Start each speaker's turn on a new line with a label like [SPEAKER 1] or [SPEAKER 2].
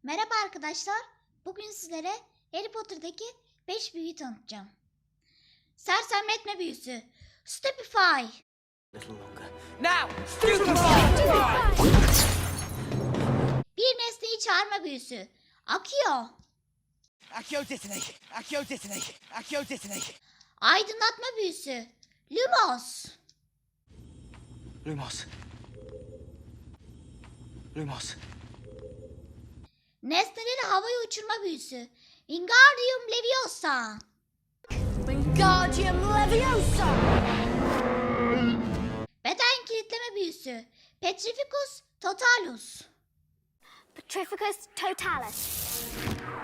[SPEAKER 1] Merhaba arkadaşlar. Bugün sizlere Harry Potter'daki 5 büyüyü tanıtacağım. Sersemletme büyüsü. Stupefy. Bir nesneyi çağırma büyüsü. Accio.
[SPEAKER 2] Accio detonate! Accio detonate! Accio detonate!
[SPEAKER 1] Aydınlatma büyüsü. Lumos.
[SPEAKER 2] Lumos. Lumos.
[SPEAKER 1] Nesneleri havaya uçurma büyüsü. Wingardium Leviosa.
[SPEAKER 3] Wingardium Leviosa!
[SPEAKER 1] Beden kilitleme büyüsü. Petrificus Totalus.
[SPEAKER 3] Petrificus Totalis.